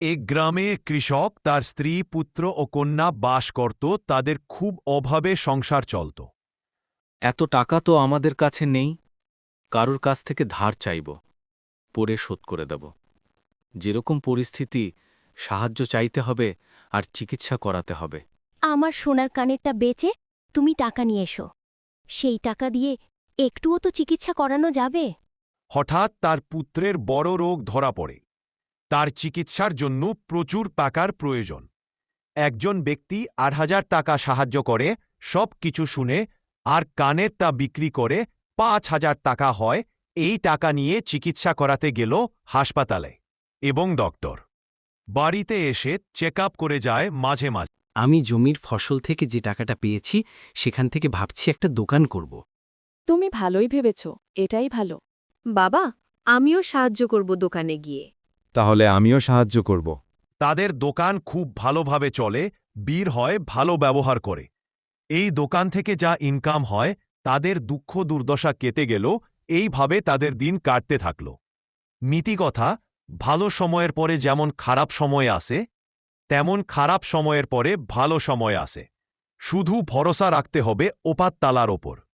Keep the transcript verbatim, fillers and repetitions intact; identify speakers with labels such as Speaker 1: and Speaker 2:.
Speaker 1: এক গ্রামে কৃষক তার স্ত্রী পুত্র ও কন্যা বাস করত। তাদের খুব অভাবে সংসার চলত।
Speaker 2: এত টাকা তো আমাদের কাছে নেই। কারুর কাছ থেকে ধার চাইব, পরে শোধ করে দেব। যেরকম পরিস্থিতি, সাহায্য চাইতে হবে আর চিকিৎসা করাতে হবে।
Speaker 3: আমার সোনার কানেরটা বেচে তুমি টাকা নিয়ে এসো। সেই টাকা দিয়ে একটুও তো চিকিৎসা করানো যাবে।
Speaker 1: হঠাৎ তার পুত্রের বড় রোগ ধরা পড়ে। তার চিকিৎসার জন্য প্রচুর টাকার প্রয়োজন। একজন ব্যক্তি আট হাজার টাকা সাহায্য করে। সব কিছু শুনে আর কানের তা বিক্রি করে পাঁচ হাজার টাকা হয়। এই টাকা নিয়ে চিকিৎসা করাতে গেল হাসপাতালে, এবং ডক্টর বাড়িতে এসে চেক আপ করে যায় মাঝে মাঝে।
Speaker 4: আমি জমির ফসল থেকে যে টাকাটা পেয়েছি সেখান থেকে ভাবছি একটা দোকান করব।
Speaker 5: তুমি ভালোই ভেবেছ, এটাই ভালো।
Speaker 6: বাবা, আমিও সাহায্য করব দোকানে গিয়ে।
Speaker 7: তাহলে আমিও সাহায্য করব।
Speaker 1: তাদের দোকান খুব ভালোভাবে চলে, বীর হয় ভালো ব্যবহার করে। এই দোকান থেকে যা ইনকাম হয় তাদের দুঃখ দুর্দশা কেটে গেল। এইভাবে তাদের দিন কাটতে থাকল। নীতিকথা, ভালো সময়ের পরে যেমন খারাপ সময় আসে, তেমন খারাপ সময়ের পরে ভালো সময় আসে। শুধু ভরসা রাখতে হবে ওপার তালার ওপর।